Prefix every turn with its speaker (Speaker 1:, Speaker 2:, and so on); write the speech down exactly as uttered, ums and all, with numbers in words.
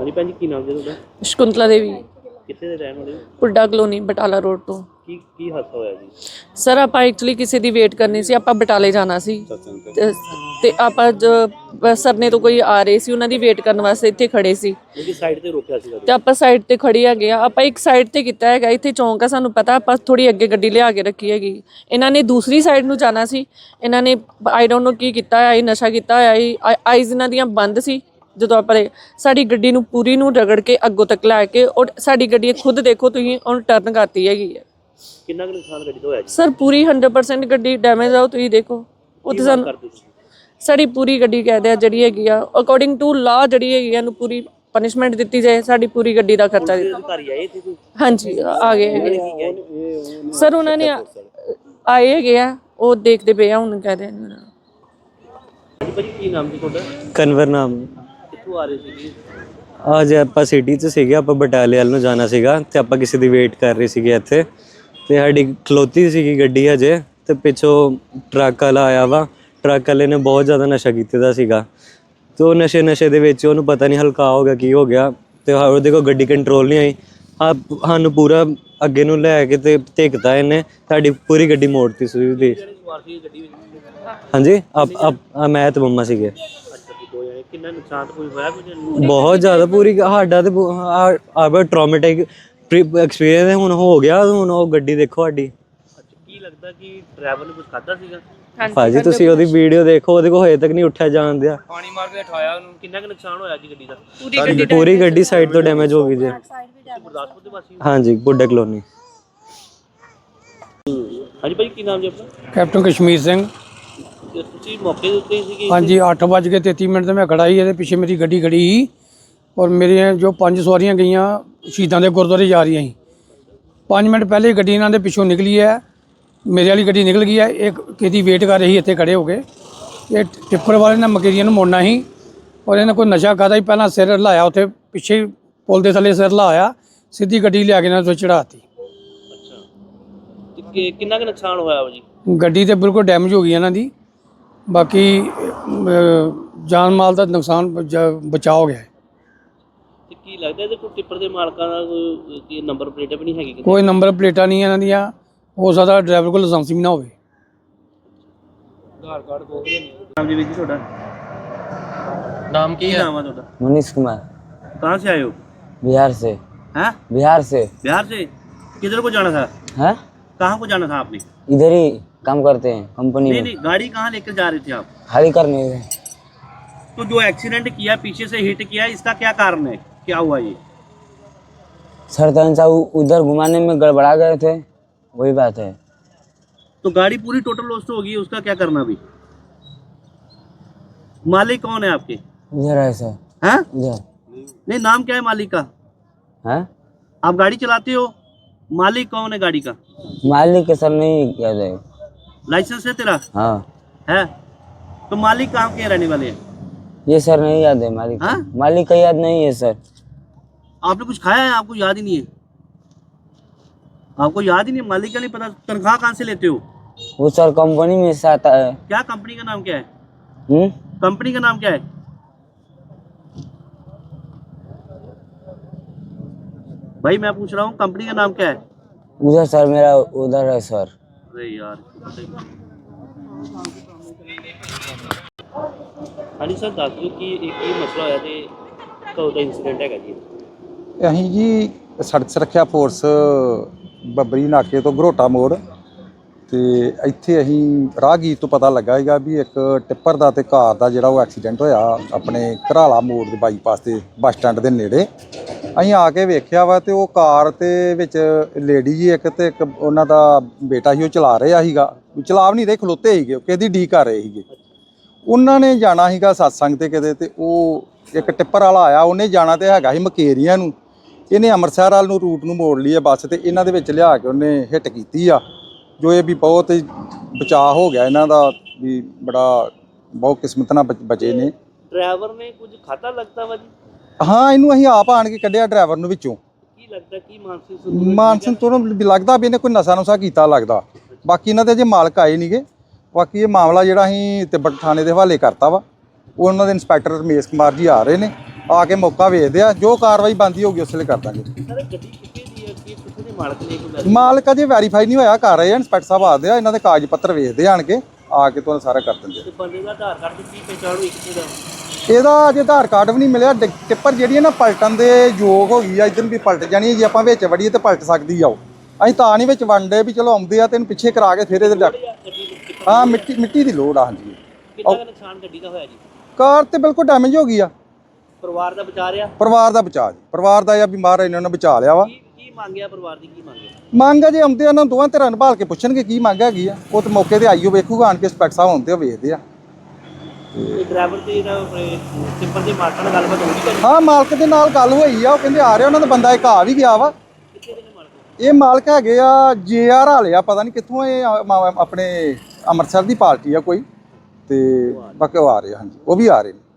Speaker 1: हाँ जी भैन जी की नाम जी तुहाडा?
Speaker 2: शकुंतला देवी
Speaker 1: कित्थे दे रहण वाले हो?
Speaker 2: पुड्डा कलोनी बटाला रोड तो।
Speaker 1: की की हादसा होया जी?
Speaker 2: सर ਆਪਾਂ ਐਕਚੁਅਲੀ ਕਿਸੇ ਦੀ ਵੇਟ ਕਰਨੀ ਸੀ, ਆਪਾਂ ਬਟਾਲੇ ਜਾਣਾ ਸੀ ਤੇ ਤੇ ਆਪਾਂ ਜ- ਸਰ ਨੇ ਤੋਂ ਕੋਈ ਆ ਰਹੇ ਸੀ, ਉਹਨਾਂ ਦੀ ਵੇਟ ਕਰਨ ਵਾਸਤੇ ਇੱਥੇ ਖੜੇ ਸੀ
Speaker 1: ਕਿਉਂਕਿ ਸਾਈਡ ਤੇ ਰੋਕਿਆ ਸੀਗਾ
Speaker 2: ਤੇ ਆਪਾਂ ਸਾਈਡ ਤੇ ਖੜੀ ਹੈਗੇ ਆ। ਆਪਾਂ ਇੱਕ ਸਾਈਡ ਤੇ ਕੀਤਾ ਹੈਗਾ, ਇੱਥੇ ਚੌਂਕ ਆ, ਸਾਨੂੰ ਪਤਾ ਆਪਾਂ ਥੋੜੀ ਅੱਗੇ ਗੱਡੀ ਲਿਆ ਕੇ ਰੱਖੀ ਹੈਗੀ। ਇਹਨਾਂ ਨੇ ਦੂਸਰੀ ਸਾਈਡ ਨੂੰ ਜਾਣਾ ਸੀ, ਇਹਨਾਂ ਨੇ ਆਈ ਡੋਂਟ ਨੋ ਕੀ ਕੀਤਾ ਹੋਇਆ ਸੀ, ਨਸ਼ਾ ਕੀਤਾ ਹੋਇਆ ਸੀ, ਆਈਜ਼ ਇਹਨਾਂ ਦੀਆਂ ਬੰਦ ਸੀ। ਜਦੋਂ ਆਪਾਂ ਸਾਡੀ ਗੱਡੀ ਨੂੰ ਪੂਰੀ ਨੂੰ ਰਗੜ ਕੇ ਅੱਗੋਂ ਤੱਕ ਲੈ ਕੇ ਔਰ ਸਾਡੀ ਗੱਡੀ ਖੁਦ ਦੇਖੋ ਤੁਸੀਂ ਉਹਨੂੰ ਟਰਨ ਕਰਤੀ ਹੈਗੀ ਹੈ।
Speaker 1: ਕਿੰਨਾ ਕੁ ਨੁਕਸਾਨ ਗੱਡੀ ਦਾ ਹੋਇਆ ਜੀ?
Speaker 2: ਸਰ ਪੂਰੀ ਹੰਡਰਡ ਪਰਸੈਂਟ ਗੱਡੀ ਡੈਮੇਜ ਆ, ਤੁਸੀਂ ਦੇਖੋ ਉੱਥੇ ਸਾਨੂੰ ਸਾਡੀ ਪੂਰੀ ਗੱਡੀ ਕਹਿ ਦਿਆ ਜਿਹੜੀ ਹੈਗੀ ਆ ਅਕੋਰਡਿੰਗ ਟੂ ਲਾ ਜਿਹੜੀ ਹੈਗੀ ਆ ਇਹਨੂੰ ਪੂਰੀ ਪਨਿਸ਼ਮੈਂਟ ਦਿੱਤੀ ਜਾਏ, ਸਾਡੀ ਪੂਰੀ ਗੱਡੀ ਦਾ ਖਰਚਾ ਦਿੱਤਾ।
Speaker 1: ਅਧਿਕਾਰੀ ਆਏ ਇੱਥੇ ਕੋਈ?
Speaker 2: ਹਾਂਜੀ ਆ ਗਏ ਹੈਗੇ ਸਰ, ਉਹਨਾਂ ਨੇ ਆਏ ਹੈਗੇ ਆ, ਉਹ ਦੇਖਦੇ ਪਏ ਆ ਹੁਣ ਕਹਿ ਰਹੇ ਨੇ।
Speaker 1: ਹਾਂਜੀ ਭਾਜੀ ਕੀ ਨਾਮ ਜੀ ਤੁਹਾਡਾ?
Speaker 3: ਕਨਵਰ ਨਾਮ।
Speaker 1: ਕਿੱਥੋਂ ਆ ਰਹੇ ਸੀ ਜੀ?
Speaker 3: ਅੱਜ ਆਪਾਂ ਸਿਟੀ 'ਚ ਸੀਗੇ, ਆਪਾਂ ਬਟਾਲੇ ਵੱਲ ਨੂੰ ਜਾਣਾ ਸੀਗਾ ਤੇ ਆਪਾਂ ਕਿਸੇ ਦੀ ਵੇਟ ਕਰ ਰਹੇ ਸੀਗੇ ਇੱਥੇ ਤੇ ਸਾਡੀ ਖਲੋਤੀ ਸੀਗੀ ਗੱਡੀ ਹਜੇ ਤੇ ਪਿੱਛੋਂ ਟਰੱਕ ਵਾਲਾ ਆਇਆ ਵਾ। ਟਰੱਕ ਵਾਲੇ ਨੇ ਬਹੁਤ ਜ਼ਿਆਦਾ ਨਸ਼ਾ ਕੀਤੇ ਦਾ ਸੀਗਾ ਤੇ ਉਹ ਨਸ਼ੇ ਨਸ਼ੇ ਦੇ ਵਿੱਚ ਉਹਨੂੰ ਪਤਾ ਨਹੀਂ ਹਲਕਾ ਹੋ ਗਿਆ ਕੀ ਹੋ ਗਿਆ ਤੇ ਉਹਦੇ ਕੋਲ ਗੱਡੀ ਕੰਟਰੋਲ ਨਹੀਂ ਆਈ। ਆ ਸਾਨੂੰ ਪੂਰਾ ਅੱਗੇ ਨੂੰ ਲੈ ਕੇ ਤੇ ਧਿਕਤਾ ਇਹਨੇ, ਸਾਡੀ ਪੂਰੀ ਗੱਡੀ ਮੋੜਤੀ ਸੀ ਦੀ। ਹਾਂਜੀ ਆ ਮੈਂ ਤੇ ਮੰਮਾ ਸੀਗੇ।
Speaker 1: ਕਿੰਨਾ ਨੁਕਸਾਨ ਕੋਈ ਹੋਇਆ ਕੁਝ?
Speaker 3: ਬਹੁਤ ਜ਼ਿਆਦਾ, ਪੂਰੀ ਸਾਡਾ ਤੇ ਆ ਟਰਾਮੈਟਿਕ ਐਕਸਪੀਰੀਅੰਸ ਹੁਣ ਹੋ ਗਿਆ। ਹੁਣ ਉਹ ਗੱਡੀ ਦੇਖੋ ਸਾਡੀ।
Speaker 1: ਅੱਛਾ ਕੀ ਲੱਗਦਾ ਕਿ ਡਰਾਈਵਰ ਨੇ ਕੁਝ ਖਾਦਾ ਸੀਗਾ?
Speaker 3: ਭਾਜੀ ਤੁਸੀਂ ਉਹਦੀ ਵੀਡੀਓ ਦੇਖੋ, ਉਹਦੇ ਕੋਲ ਹਜੇ ਤੱਕ ਨਹੀਂ ਉੱਠਿਆ ਜਾਣ ਦਿਆ।
Speaker 1: ਪਾਣੀ ਮਾਰ ਕੇ ਉਠਾਇਆ ਉਹਨੂੰ। ਕਿੰਨਾ ਕੁ ਨੁਕਸਾਨ ਹੋਇਆ ਜੀ ਗੱਡੀ ਦਾ?
Speaker 3: ਪੂਰੀ ਗੱਡੀ ਸਾਈਡ ਤੋਂ ਡੈਮੇਜ ਹੋ ਗਈ ਜੀ।
Speaker 1: ਗੁਰਦਾਸਪੁਰ ਦੇ ਵਾਸੀ?
Speaker 3: ਹਾਂਜੀ ਪੁੱਡਾ ਕਲੋਨੀ।
Speaker 1: ਹਾਂਜੀ ਭਾਈ ਕੀ ਨਾਮ ਜੀ ਆਪਣਾ?
Speaker 4: ਕੈਪਟਨ ਕਸ਼ਮੀਰ ਸਿੰਘ।
Speaker 1: ਤੇ ਤੁਸੀਂ ਮੌਕੇ ਦੇ ਉੱਤੇ ਸੀਗੇ?
Speaker 4: ਹਾਂਜੀ ਅੱਠ ਵੱਜ ਕੇ ਤੇਤੀ ਮਿੰਟ ਤੇ ਮੈਂ ਖੜਾ ਸੀ, ਇਹਦੇ ਪਿੱਛੇ ਮੇਰੀ ਗੱਡੀ ਖੜੀ ਸੀ ਔਰ ਮੇਰੀਆਂ ਜੋ ਪੰਜ ਸਵਾਰੀਆਂ ਗਈਆਂ ਸ਼ਹੀਦਾਂ ਦੇ ਗੁਰਦੁਆਰੇ ਜਾ ਰਹੀਆਂ ਸੀ। ਪੰਜ ਮਿੰਟ ਪਹਿਲੇ ਗੱਡੀ ਇਹਨਾਂ ਦੇ ਪਿੱਛੋਂ ਨਿਕਲੀ ਹੈ, ਮੇਰੇ ਵਾਲੀ ਗੱਡੀ ਨਿਕਲ ਗਈ ਹੈ। ਇੱਕ ਕਿਹਦੀ ਵੇਟ ਕਰ ਰਹੀ ਇੱਥੇ ਖੜੇ ਹੋ ਕੇ। ਇਹ ਟਿੱਪਰ ਵਾਲੇ ਨੇ ਮਕੇਰੀਆਂ ਨੂੰ ਮੋੜਨਾ ਸੀ ਔਰ ਇਹਨੇ ਕੋਈ ਨਸ਼ਾ ਖਾਦਾ ਸੀ, ਪਹਿਲਾਂ ਸਿਰ ਹਿਲਾਇਆ ਉੱਥੇ ਪਿੱਛੇ ਪੁਲ ਦੇ ਥੱਲੇ ਸਿਰ ਹਿਲਾਇਆ, ਸਿੱਧੀ ਗੱਡੀ ਲਿਆ ਕੇ ਇਹਨਾਂ ਤੋਂ ਚੜਾਤੀ।
Speaker 1: ਅੱਛਾ ਤੇ ਕਿੰਨਾ ਕੁ ਨੁਕਸਾਨ ਹੋਇਆ ਜੀ?
Speaker 4: ਗੱਡੀ ਤੇ ਬਿਲਕੁਲ ਡੈਮੇਜ ਹੋ ਗਈ ਇਹਨਾਂ ਦੀ, ਬਾਕੀ ਜਾਨ ਮਾਲ ਦਾ ਨੁਕਸਾਨ ਬਚਾ ਹੋ ਗਿਆ।
Speaker 1: ਤੇ ਕੀ ਲੱਗਦਾ ਇਹਦੇ ਕੋਈ ਟਿੱਪਰ ਦੇ ਮਾਲਕਾਂ ਦਾ ਕੋਈ ਨੰਬਰ ਪਲੇਟ ਵੀ ਨਹੀਂ ਹੈਗੀ?
Speaker 4: ਕੋਈ ਨੰਬਰ ਪਲੇਟਾਂ ਨਹੀਂ ਇਹਨਾਂ ਦੀਆਂ, ਹੋ ਸਕਦਾ ਡਰਾਈਵਰ ਕੋਲ ਲਾਇਸੈਂਸ ਵੀ ਨਾ ਹੋਵੇ।
Speaker 1: ਆਧਾਰ ਕਾਰਡ ਕੋਲ ਨਹੀਂ। ਨਾਮ ਜੀ ਵੀਰ ਜੀ ਤੁਹਾਡਾ?
Speaker 5: नाम की है?
Speaker 1: नाम है ਤੁਹਾਡਾ?
Speaker 5: मनीष कुमार।
Speaker 1: कहाँ से आए हो?
Speaker 5: बिहार से।
Speaker 1: हैं?
Speaker 5: बिहार से।
Speaker 1: बिहार से? किधर को जाना था?
Speaker 5: हैं?
Speaker 1: कहाँ को जाना था आपने?
Speaker 5: इधर ही काम करते हैं कंपनी
Speaker 1: नहीं
Speaker 5: में।
Speaker 1: नहीं गाड़ी कहाँ लेकर जा रहे थे आप?
Speaker 5: खाली करने गए।
Speaker 1: तो जो एक्सीडेंट किया पीछे से हिट किया, इसका क्या कारण है? क्या हुआ ये?
Speaker 5: सर तनसा उधर घुमाने में गड़बड़ा गए थे, वही बात है।
Speaker 1: तो गाड़ी पूरी टोटल लॉस्ट होगी, उसका क्या करना अभी? मालिक कौन है आपके?
Speaker 5: उधर है सर।
Speaker 1: हैं?
Speaker 5: उधर।
Speaker 1: नहीं नाम क्या है मालिक का?
Speaker 5: हैं?
Speaker 1: आप गाड़ी चलाते हो, मालिक कौन है गाड़ी का?
Speaker 5: मालिक के सर नहीं याद है।
Speaker 1: लाइसेंस है तेरा?
Speaker 5: हाँ
Speaker 1: है? तो मालिक कहाँ के रहने वाले हैं?
Speaker 5: ये सर नहीं याद है मालिक।
Speaker 1: हाँ?
Speaker 5: मालिक का याद नहीं है सर।
Speaker 1: आपने कुछ खाया है, आपको याद ही नहीं है? आपको याद ही नहीं, मालिक का नहीं पता? तनख्वाह कहाँ से लेते हो?
Speaker 5: वो सर कंपनी में से आता है।
Speaker 1: क्या कंपनी का नाम क्या है?
Speaker 5: हम्म?
Speaker 1: कंपनी का नाम क्या है? भाई मैं पूछ रहा हूँ कंपनी का नाम क्या है?
Speaker 5: उधर सर मेरा उधर है सर।
Speaker 1: अरे यार हाँ जी सर दस दो कि एक ये मसला होया ते कदों दा इंसीडेंट हैगा जी?
Speaker 6: ਅਸੀਂ ਜੀ ਸੜਕ ਸੁਰੱਖਿਆ ਫੋਰਸ ਬੱਬਰੀ ਨਾਕੇ ਤੋਂ ਘਰੋਟਾ ਮੋੜ ਤੇ ਇੱਥੇ ਅਸੀਂ ਰਾਹਗੀਰ ਤੋਂ ਪਤਾ ਲੱਗਾ ਹੈਗਾ ਵੀ ਇੱਕ ਟਿੱਪਰ ਦਾ ਤੇ ਕਾਰ ਦਾ ਜਿਹੜਾ ਉਹ ਐਕਸੀਡੈਂਟ ਹੋਇਆ ਆਪਣੇ ਘਰਾਲਾ ਮੋੜ ਦੇ ਬਾਈਪਾਸ ਤੇ ਬੱਸ ਸਟੈਂਡ ਦੇ ਨੇੜੇ। ਅਸੀਂ ਆ ਕੇ ਵੇਖਿਆ ਵਾ ਤੇ ਉਹ ਕਾਰ ਤੇ ਵਿੱਚ ਲੇਡੀ ਜੀ ਇੱਕ ਤੇ ਇੱਕ ਉਹਨਾਂ ਦਾ ਬੇਟਾ ਸੀ, ਉਹ ਚਲਾ ਰਿਹਾ ਸੀਗਾ, ਚਲਾ ਵੀ ਨਹੀਂ ਰਹੇ, ਖਲੋਤੇ ਸੀਗੇ, ਕਿਹਦੀ ਡੀ ਕਰ ਰਹੇ ਸੀਗੇ। ਉਹਨਾਂ ਨੇ ਜਾਣਾ ਸੀਗਾ ਸਤਸੰਗ ਤੇ ਕਿਤੇ, ਤੇ ਉਹ ਇੱਕ ਟਿੱਪਰ ਵਾਲਾ ਆਇਆ, ਉਹਨੇ ਜਾਣਾ ਤੇ ਹੈਗਾ ਸੀ ਮਕੇਰੀਆਂ ਨੂੰ, ਇਹਨੇ ਅੰਮ੍ਰਿਤਸਰ ਵੱਲ ਨੂੰ ਰੂਟ ਨੂੰ ਮੋੜ ਲਈ ਹੈ ਬੱਸ, ਤੇ ਇਹਨਾਂ ਦੇ ਵਿੱਚ ਲਿਆ ਕੇ ਉਹਨੇ ਹਿੱਟ ਕੀਤੀ ਆ, ਜੋ ਇਹ ਵੀ ਬਹੁਤ ਬਚਾਅ ਹੋ ਗਿਆ ਇਹਨਾਂ ਦਾ, ਵੀ ਬੜਾ ਬਹੁਤ ਕਿਸਮਤ ਨਾਲ ਬਚੇ ਨੇ।
Speaker 1: ਡਰਾਈਵਰ ਨੇ ਕੁਝ ਖਾਤਾ ਲੱਗਦਾ ਵਾ ਜੀ?
Speaker 6: ਹਾਂ ਇਹਨੂੰ ਅਸੀਂ ਆਪ ਆਣ ਕੇ ਕੱਢਿਆ ਡਰਾਈਵਰ ਨੂੰ ਵਿੱਚੋਂ।
Speaker 1: ਕੀ ਲੱਗਦਾ ਕੀ ਮਾਨਸਿਕ
Speaker 6: ਮਾਨਸਿਕ ਤੋਂ ਲੱਗਦਾ ਵੀ ਇਹਨੇ ਕੋਈ ਨਸ਼ਾ ਨੁਸ਼ਾ ਕੀਤਾ ਲੱਗਦਾ। ਬਾਕੀ ਇਹਨਾਂ ਦੇ ਅਜੇ ਮਾਲਕ ਆਏ ਨਹੀਂਗੇ। ਬਾਕੀ ਇਹ ਮਾਮਲਾ ਜਿਹੜਾ ਅਸੀਂ ਤਿੱਬਤ ਥਾਣੇ ਦੇ ਹਵਾਲੇ ਕਰਤਾ ਵਾ, ਉਹ ਉਹਨਾਂ ਦੇ ਇੰਸਪੈਕਟਰ ਰਮੇਸ਼ ਕੁਮਾਰ ਜੀ ਆ ਰਹੇ ਨੇ, ਆ ਕੇ ਮੌਕਾ ਵੇਖਦੇ ਆ, ਜੋ ਕਾਰਵਾਈ ਬਣਦੀ ਹੋਊਗੀ ਉਸ ਵੇਲੇ ਕਰ ਦਾਂਗੇ।
Speaker 1: ਸਰ ਗੱਡੀ ਕਿੱਥੇ ਦੀ ਹੈ, ਕੀ ਕਿੱਥੇ ਦੇ ਮਾਲਕ ਨੇ, ਕੋਈ
Speaker 6: ਮਾਲਕ ਅਜੇ ਵੈਰੀਫਾਈ ਨਹੀਂ ਹੋਇਆ, ਕਰ ਰਹੇ ਆ ਇੰਸਪੈਕਟਰ ਸਾਹਿਬ ਆਦੇ ਆ, ਇਹਨਾਂ ਦੇ ਕਾਗਜ਼ ਪੱਤਰ ਵੇਖਦੇ ਆਣ ਕੇ, ਆ ਕੇ ਤੁਹਾਨੂੰ ਸਾਰਾ ਕਰ ਦਿੰਦੇ।
Speaker 1: ਤੇ ਬੰਦੇ ਦਾ ਆਧਾਰ ਕਾਰਡ ਦੀ ਕੀ ਪਹਿਚਾਣ ਹੋਈ ਕਿੱਥੇ ਦਾ?
Speaker 6: ਇਹਦਾ ਅਜੇ ਆਧਾਰ ਕਾਰਡ ਵੀ ਨਹੀਂ ਮਿਲਿਆ। ਡਿ- ਟਿੱਪਰ ਜਿਹੜੀ ਹੈ ਨਾ ਪਲਟਣ ਦੇ ਯੋਗ ਹੋ ਗਈ ਆ, ਇੱਧਰ ਵੀ ਪਲਟ ਜਾਣੀ ਹੈ, ਜੇ ਆਪਾਂ ਵਿੱਚ ਵੜੀਏ ਤੇ ਪਲਟ ਸਕਦੀ ਆ ਉਹ। ਅਸੀਂ ਤਾਂ ਨਹੀਂ ਵਿੱਚ ਵੰਡੇ ਵੀ ਚਲੋ ਆਉਂਦੇ ਆ ਤੇ ਇਹਨੂੰ ਪਿੱਛੇ ਕਰਾ ਕੇ ਫਿਰ ਇਹਦੇ ਡੱਕ।
Speaker 1: ਗੱਡੀ ਨੂੰ ਟਿੱਪਰ
Speaker 6: ਹਾਂ ਮਿੱਟੀ ਮਿੱਟੀ ਦੀ ਲੋੜ ਆ। ਹਾਂਜੀ
Speaker 1: ਕਿੰਨਾ ਕੁ ਨੁਕਸਾਨ ਗੱਡੀ ਦਾ ਹੋਇਆ ਜੀ?
Speaker 6: ਕਾਰ ਤੇ ਬਿਲਕੁਲ ਡੈਮੇਜ ਹੋ ਗਈ ਆ।
Speaker 1: ਪਰਿਵਾਰ ਦਾ ਬਚਾ ਰਿਹਾ?
Speaker 6: ਪਰਿਵਾਰ ਦਾ ਬਚਾ ਜੀ, ਪਰਿਵਾਰ ਦਾ ਇਹ ਆ ਵੀ ਮਹਾਰਾਜ ਇਹਨਾਂ ਨੇ ਬਚਾ ਲਿਆ ਵਾ।
Speaker 1: ਕੀ ਕੀ ਮੰਗਿਆ ਪਰਿਵਾਰ ਦੀ, ਕੀ ਮੰਗਿਆ?
Speaker 6: ਮੰਗ ਆ ਜੇ ਆਉਂਦੇ ਆ ਇਹਨਾਂ ਨੂੰ ਦੋਵਾਂ ਧਿਰਾਂ ਨੂੰ ਭਾਲ ਕੇ ਪੁੱਛਣਗੇ ਕੀ ਮੰਗ ਹੈਗੀ ਆ, ਉਹ ਤੇ ਮੌਕੇ ਤੇ ਆਈਓ ਵੇਖੂਗਾ ਆਣ ਕੇ, ਇੰਸਪੈਕਟਰ ਸਾਹਿਬ ਆਉਂਦੇ ਆ ਵੇਖਦੇ ਆ।
Speaker 1: ਤੇ ਡਰਾਈਵਰ ਤੇ ਜਿਹੜਾ ਟਿੱਪਰ ਦੇ ਮਾਲਕ ਨਾਲ ਗੱਲਬਾਤ ਹੋਈ ਕਰੀ?
Speaker 6: ਹਾਂ ਮਾਲਕ ਦੇ ਨਾਲ ਗੱਲ ਹੋਈ ਆ, ਉਹ ਕਹਿੰਦੇ ਆ ਰਿਹਾ, ਉਹਨਾਂ ਦਾ ਬੰਦਾ ਇੱਕ ਆ ਵੀ ਗਿਆ ਵਾ।
Speaker 1: ਕਿੱਥੇ ਦੇ ਨੇ ਮਾਲਕ?
Speaker 6: ਇਹ ਮਾਲਕ ਹੈਗੇ ਆ ਜੇ ਆਰ ਵਾਲੇ ਆ, ਪਤਾ ਨਹੀਂ ਕਿੱਥੋਂ, ਇਹ ਆ- ਮਾ- ਆਪਣੇ ਅੰਮ੍ਰਿਤਸਰ ਦੀ ਪਾਰਟੀ ਆ ਕੋਈ, ਤੇ ਬਾਕੀ ਉਹ ਆ ਰਹੇ ਆ। ਹਾਂਜੀ ਉਹ ਵੀ ਆ ਰਹੇ ਨੇ।